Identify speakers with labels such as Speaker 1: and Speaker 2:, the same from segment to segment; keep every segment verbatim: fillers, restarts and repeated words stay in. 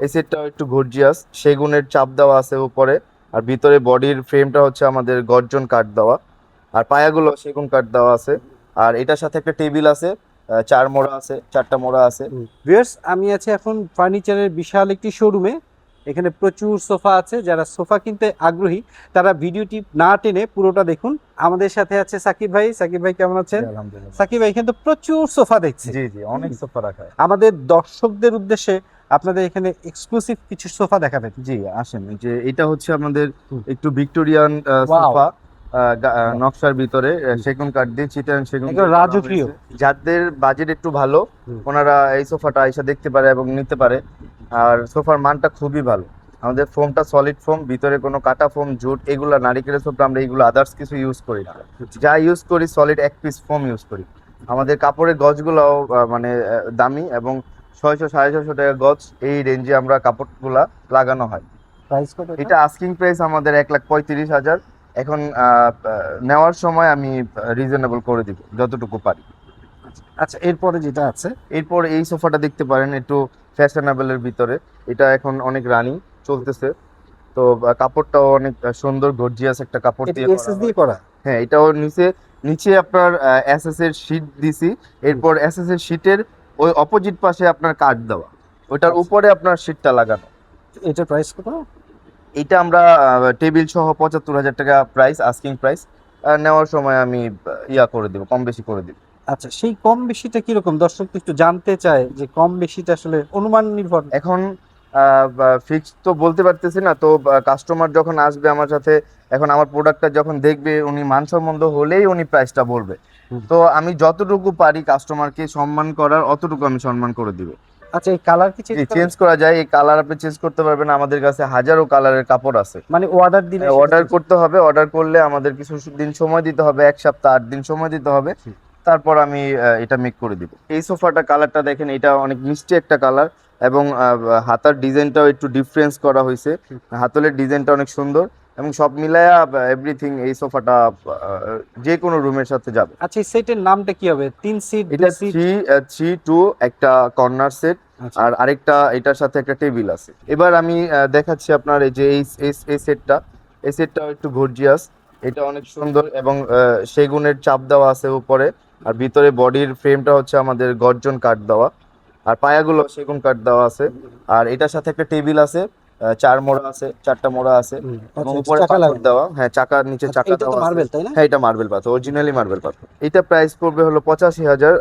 Speaker 1: এই সেটটাও একটু গর্জিয়াস, সেগুনের চাপ দেওয়া আছে উপরে। আর ভিতরে বডির ফ্রেমটা হচ্ছে আমাদের গর্জন কাঠ দেওয়া, আর পায়াগুলো সেগুন কাঠ দেওয়া আছে। আর এটার সাথে একটা টেবিল আছে, আহ, চার মোড়া আছে, চারটা মোড়া আছে।
Speaker 2: ভিউয়ার্স, আমি আছি এখন ফার্নিচারের বিশাল একটি শোরুমে। এখানে প্রচুর সোফা আছে। যারা সোফা কিনতে আগ্রহী তারা ভিডিওটি না টেনে পুরোটা দেখুন। আমাদের সাথে আছে সাকিব ভাই। সাকিব ভাই কেমন আছেন?
Speaker 1: আলহামদুলিল্লাহ।
Speaker 2: সাকিব ভাই, এখানে তো প্রচুর সোফা দেখছি।
Speaker 1: জি জি, অনেক সোফা রাখা হয়।
Speaker 2: আমাদের দর্শকদের উদ্দেশ্যে আপনাদের এখানে এক্সক্লুসিভ কিছু সোফা দেখাবেন।
Speaker 1: জি আসেন, এই যে এটা হচ্ছে আমাদের একটু ভিক্টোরিয়ান
Speaker 2: ওয়াও,
Speaker 1: সোফা, নকশার ভিতরে আহ, সেগুন কাঠ দিয়ে, চিটাগাং সেগুন
Speaker 2: একদম
Speaker 1: দিয়ে করা
Speaker 2: রাজকীয়।
Speaker 1: হয়েছে। যাদের বাজেট একটু ভালো,
Speaker 2: হুম।
Speaker 1: ওনারা এই সোফাটা এসে দেখতে পারে এবং নিতে পারে। আর সোফার মানটা খুবই ভালো। আমাদের ফোমটা সলিড ফোম, ভিতরে কোনো কাটা ফোম, জুট, এগুলা নারিকেলের সোফা আমরা এগুলো আদার্স কিছু ইউজ করি না। যা ইউজ করি সলিড এক পিস ফোম ইউজ করি। আমাদের কাপড়ের গজগুলোও আহ, মানে আহ, দামি, এবং ছয়শো সাড়ে ছয়শো টাকা গজ এই রেঞ্জে আমরা কাপড়গুলা লাগানো হয়।
Speaker 2: প্রাইস কত এটা?
Speaker 1: এটা আস্কিং প্রাইস আমাদের এক লাখ পঁয়ত্রিশ হাজার। এখন আহ, আহ, নেওয়ার সময় আমি রিজনেবল করে দিব যতটুকু পারি।
Speaker 2: আচ্ছা, এরপরে যেটা আছে
Speaker 1: এরপর এই সোফাটা দেখতে পারেন, একটু ফ্যাশনেবলের ভিতরে। এটা এখন অনেক রানিং চলতেছে। তো আহ, কাপড়টাও অনেক আহ, সুন্দর গর্জিয়াস একটা কাপড়
Speaker 2: এটা
Speaker 1: দিয়ে করা
Speaker 2: এসএস দিয়ে
Speaker 1: হয়।
Speaker 2: করা।
Speaker 1: হ্যাঁ, এটাও নিচে নিচে আপনার এসএস এর শীট দিছি। এরপর এসএস এর শীটের ওই অপোজিট পাশে আপনার কাঠ দেওয়া, ওটার
Speaker 2: আচ্ছা,
Speaker 1: উপরে আপনার শীটটা লাগানো।
Speaker 2: এটার প্রাইস কত?
Speaker 1: এটা আমরা টেবিল সহ পঁচাত্তর হাজার টাকা প্রাইস, আস্কিং প্রাইস। নেওয়ার সময় আমি আহ, ইয়া করে দিব, কম বেশি করে দিব।
Speaker 2: আচ্ছা, সেই কম বেশিটা কিরকম? দর্শক তো একটু জানতে চায় যে কম বেশিটা আসলে অনুমান নির্ভর।
Speaker 1: এখন ফিক্স তো বলতে পারতেছি না, তো কাস্টমার যখন আসবে আমার সাথে, এখন আমার প্রোডাক্টটা যখন দেখবে, উনি মানসম্মত হলেই উনি প্রাইসটা বলবে।
Speaker 2: হুম।
Speaker 1: তো আমি যতটুকু পারি কাস্টমারকে সম্মান করার, অতটুকু আমি সম্মান করে দিব।
Speaker 2: আচ্ছা, এই কালার কি চেঞ্জ
Speaker 1: জি,
Speaker 2: করা
Speaker 1: চেঞ্জ
Speaker 2: যায়?
Speaker 1: করা যায়। এই কালার আপনি চেঞ্জ করতে পারবেন, আমাদের কাছে হাজারো কালারের কাপড় আছে।
Speaker 2: মানে অর্ডার দিলে সেটা
Speaker 1: অর্ডার
Speaker 2: change-
Speaker 1: করতে হবে, অর্ডার করলে আমাদের কিছু দিন সময় দিতে হবে, এক সপ্তাহ আট দিন সময় দিতে হবে।
Speaker 2: হুম।
Speaker 1: তারপর আমি আহ, এটা মেক করে দিব। এই সোফাটা কালারটা দেখেন, এটা অনেক মিষ্টি একটা কালার, এবং আহ, হাতার ডিজাইনটাও একটু ডিফারেন্স করা হয়েছে।
Speaker 2: হুম।
Speaker 1: হাতলের ডিজাইনটা অনেক সুন্দর, এবং সব মিলায়া এভরিথিং এই সোফাটা যে কোনো রুমের সাথে যাবে।
Speaker 2: আচ্ছা, এই সেটের নামটা কি হবে? তিন সিট,
Speaker 1: এটা
Speaker 2: দুই সিট?
Speaker 1: থ্রি থ্রি টু একটা কর্নার সেট,
Speaker 2: আচ্ছা।
Speaker 1: আর আরেকটা এটার সাথে একটা টেবিল আছে। এবার আমি আহ, দেখাচ্ছি আপনার এই যে এই এই- এই সেটটা। এই সেটটাও একটু গর্জিয়াস, এটা অনেক সুন্দর, এবং আহ, সেগুনের চাপ দেওয়া আছে উপরে। আর ভিতরে বডির ফ্রেমটা হচ্ছে আমাদের গর্জন কাঠ দেওয়া, আর পায়াগুলো সেগুন কাঠ দেওয়া আছে। আর এটার সাথে একটা টেবিল আছে, আহ, চার মোড়া আছে, চারটা মোড়া আছে,
Speaker 2: হুম।
Speaker 1: এবং
Speaker 2: আচ্ছা, এটা
Speaker 1: উপরে
Speaker 2: চাকা
Speaker 1: পাথর
Speaker 2: লাগানো।
Speaker 1: দেওয়া। হ্যাঁ, চাকার নিচে
Speaker 2: আচ্ছা,
Speaker 1: চাকা
Speaker 2: এটা তো
Speaker 1: দেওয়া আছে।
Speaker 2: মার্বেল, তাই না?
Speaker 1: হ্যাঁ, এটা মার্বেল পাথর, অরিজিনালি মার্বেল পাথর। এটা প্রাইস পড়বে হলো পঁচাশি হাজার,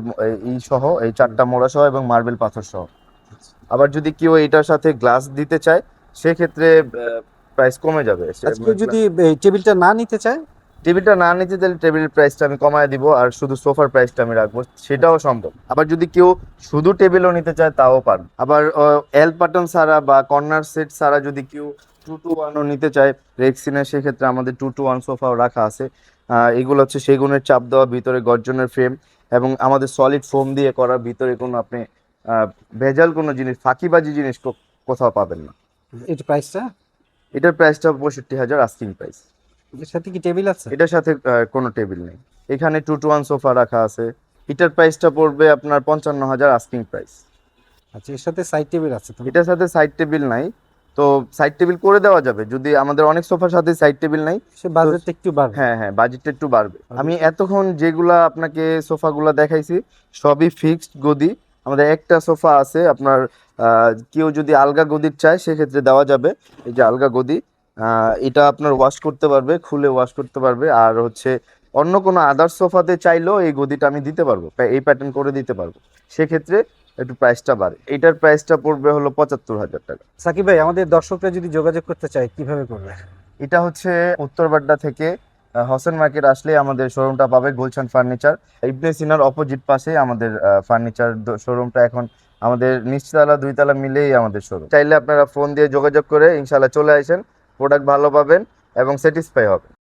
Speaker 1: এই সহ, এই চারটা মোড়া সহ এবং মার্বেল পাথর সহ। আবার যদি কেউ এটার সাথে গ্লাস দিতে চায়, সেক্ষেত্রে প্রাইস কমে যাবে।
Speaker 2: আচ্ছা, কেউ যদি এই টেবিলটা না নিতে চায়?
Speaker 1: টেবিলটা না নিতে চাইলে টেবিলের প্রাইসটা আমি কমায় দিব, আর শুধু সোফার প্রাইসটা আমি রাখবো, সেটাও সম্ভব। আবার যদি কেউ শুধু টেবিলও নিতে চায়, তাও পারবে। আবার এল বাটন ছাড়া বা কর্নার সেট ছাড়া যদি কেউ টু টু ওয়ানও নিতে চায় রেক্সিনের, সেক্ষেত্রে আমাদের টু টু ওয়ান সোফাও রাখা আছে। আহ, এগুলো হচ্ছে সেগুনের চাপ দেওয়া, ভিতরে গর্জনের ফ্রেম, এবং আমাদের সলিড ফোম দিয়ে করা। ভিতরে কোনো আপনি আহ, ভেজাল কোনো জিনিস, ফাঁকিবাজি জিনিস কো- কোথাও পাবেন না।
Speaker 2: এটা প্রাইসটা?
Speaker 1: এটার প্রাইসটা পঁয়ষট্টি হাজার, আস্কিং প্রাইস।
Speaker 2: এর সাথে কি টেবিল আছে?
Speaker 1: এটার সাথে আহ, কোনো টেবিল নেই। এখানে টু টু ওয়ান সোফা রাখা আছে। এটার প্রাইসটা পড়বে আপনার পঞ্চান্ন হাজার, আস্কিং প্রাইস।
Speaker 2: আচ্ছা, এর সাথে সাইড টেবিল আছে তো?
Speaker 1: এটার সাথে সাইড টেবিল নাই, তো সাইড টেবিল করে দেওয়া যাবে। যদি আমাদের অনেক সোফার সাথে সাইড টেবিল নাই,
Speaker 2: সে
Speaker 1: তো
Speaker 2: বাজেটটা একটু বাড়বে।
Speaker 1: হ্যাঁ হ্যাঁ, বাজেটটা একটু বাড়বে। আমি
Speaker 2: বাজেটটা-
Speaker 1: এতক্ষণ যেগুলা আপনাকে সোফাগুলা দেখাইছি, সবই ফিক্সড গদি। আমাদের একটা সোফা আছে আপনার, আহ, কেউ যদি আলগা গদির চায় সেক্ষেত্রে দেওয়া যাবে। এই যে আলগা গদি, আহ, এটা আপনার ওয়াশ করতে পারবে, খুলে ওয়াশ করতে পারবে। আর হচ্ছে অন্য কোনো আদার সোফাতে চাইলেও এই গদিটা আমি দিতে পারবো, প্যা- এই প্যাটার্ন করে দিতে পারবো। সেক্ষেত্রে একটু প্রাইসটা বাড়ে। এটার প্রাইসটা পড়বে হলো পঁচাত্তর হাজার টাকা।
Speaker 2: সাকিব ভাই, আমাদের দর্শকরা যদি যোগাযোগ করতে চায় কিভাবে করবে?
Speaker 1: এটা হচ্ছে উত্তরবাড্ডা থেকে আহ, হোসেন মার্কেট আসলে আমাদের শোরুমটা পাবে, গুলশান ফার্নিচার। ইবনে সিনার অপোজিট পাশে আমাদের ফার্নিচার শোরুমটা। এখন আমাদের নিচতলা দুইতলা মিলেই আমাদের শোরুম। চাইলে আপনারা ফোন দিয়ে যোগাযোগ করে ইনশাল্লাহ চলে আসেন, প্রোডাক্ট ভালো পাবেন এবং স্যাটিসফাই হবেন।